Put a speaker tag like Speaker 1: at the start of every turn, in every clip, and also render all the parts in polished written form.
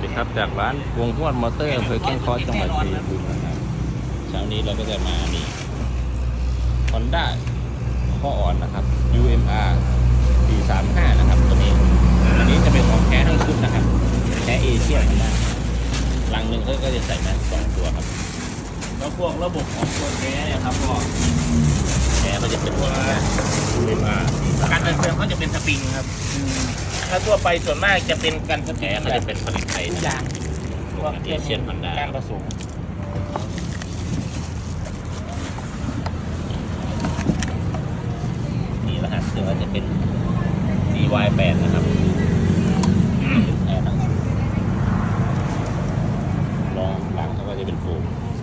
Speaker 1: ดีครับจากร้านวงหวดมอเตอร์อำเภอแก้งเคอจังหวัดชัยภูมินะครับเช้านี้เราก็จะมานี่ Honda ข้ออ่อนนะครับ UMR 435นะครับตัวนี้อันนี้จะเป็นของแท้ทั้งชุดนะครับแท้เอเชียนะลังหนึ่งเขาก็จะใส่มา2 ตัวครับแล้วพวกระบบของตัวแท้เนี่ยครับก็แท้ก็จะเป็นตัว UMR
Speaker 2: การเดินเครื่องเขาจะเป็นสปริงครับถ้าทั่วไปส่วนมากจะเป็นการสปริ
Speaker 1: แท้
Speaker 2: ง
Speaker 1: ก็จะเป็นผลิตไทย
Speaker 2: ทุกอย่าง
Speaker 1: พวกเอเชียนฮอนด้า
Speaker 2: การผสม
Speaker 1: นี่รหัสเครื่องก็จะเป็น CY8 นะครับเป็นแอร์ทั้งรองหลังเขาก็จะเป็นโฟม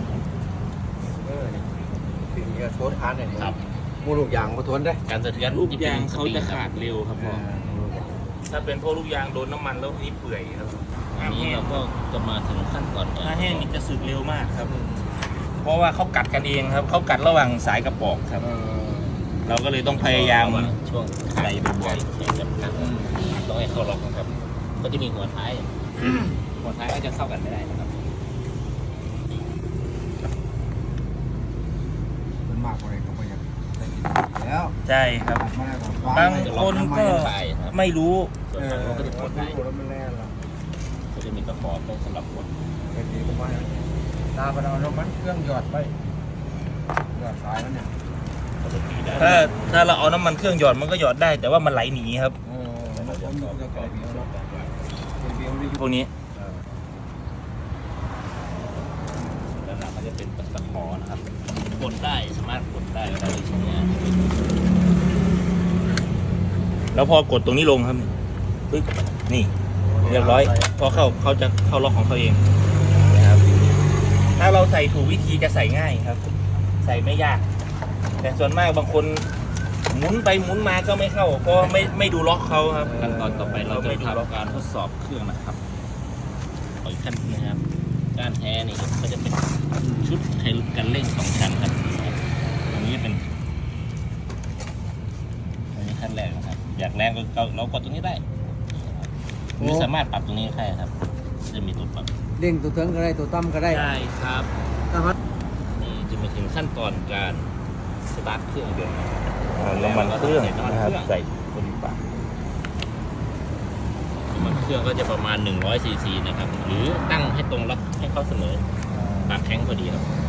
Speaker 3: ถึงจะโทษคันเนี่ย
Speaker 1: ครับ
Speaker 3: มูลูกยางมาทนได้
Speaker 1: การสะเทือน
Speaker 2: ลูกยางเขาจะขาดเร็วครับพ่อถ้าเป็นพวกลูกยางโดนน้ำมันแล้วนี่เปื่อยครับ
Speaker 1: อันนี้เราก็จะมาถึงขั้นตอน
Speaker 2: ถ้าแห้งนี่จะสึกเร็วมากครับ เพราะว่าเขากัดกันเองครับเขากัดระหว่างสายกระบอกครับ เราก็เลยต้องพยายาม
Speaker 1: ช่วง
Speaker 2: ใส่บ่อย
Speaker 1: ใส่จำกัดต้องให้เข้าล็อกนะครับ ก็จะมีหัวท้าย หัวท้ายก็จะเข้ากันไม่ได้นะครับ
Speaker 3: มันมากกว่าอะไรก็ไม่อยากแล้ว
Speaker 2: ใช่ครับ
Speaker 3: มาแล้ว
Speaker 2: บางคนก็ไม่รู้
Speaker 1: ส่วนฝั่งนู้นก็จะกดได้
Speaker 3: แล้วมันแน่ละ
Speaker 1: ก็จะมีตะขอต้องสำหรับกด
Speaker 3: ไอ้ทีก็ไม่ตาไปเอาแล้วมันเครื่องหยอดไปหยอดสายแล้วเนี่ย
Speaker 1: ก็จะตีได้
Speaker 2: ถ้าเราเอาน้ำมันเครื่องหยอดมันก็หยอดได้ แต่ว่ามันไหลหนีครับ
Speaker 3: แล้วมันก็จะกรอบเดียวเนาะเดียวนี่
Speaker 2: พวกนี้
Speaker 1: ด้านหลังก็จะเป็นตะขอนะครับกดได้สามารถกดได้แล้วในชิ้นนี้
Speaker 2: แล้วพอกดตรงนี้ลงครับปึ๊บนี่เรียบร้อยพอเขาจะเข้าล็อกของเขาเองนะครับถ้าเราใส่ถูกวิธีจะใส่ง่ายครับ ใส่ไม่ยาก แต่ส่วนมากบางคนหมุนไปหมุนมาก็ไม่เข้าเพราะไม่ดูล็อกเขาครับ
Speaker 1: ขั้นตอนต่อไปเราจะทำการทดสอบเครื่องนะครับขออีกขั้นนะครับก้านแท้นี่ก็จะเป็นชุดกันเร่ง2 ชั้นครับอันนี้เป็นอันนี้ขั้นแรกนะครับอยากแรงก็เรากดตรงนี้ได้หรือสามารถปรับตรงนี้ได้ครับจะมีตัวปรับ
Speaker 3: เด้งตัวเทิงก็ได้ตัวต่ำก็ได้
Speaker 1: ได้ครับ
Speaker 3: นะครับ
Speaker 1: นี่จะมาถึงขั้นตอนการสตาร์ทเครื่องยนต์นะครับ
Speaker 2: น้ำมันเครื่องนะครับใส่บนปาก
Speaker 1: น้ำมันเครื่องก็จะประมาณ100 ซีซีนะครับหรือตั้งให้ตรงล็อกให้เขาเสมอปากแข็งพอดีครับ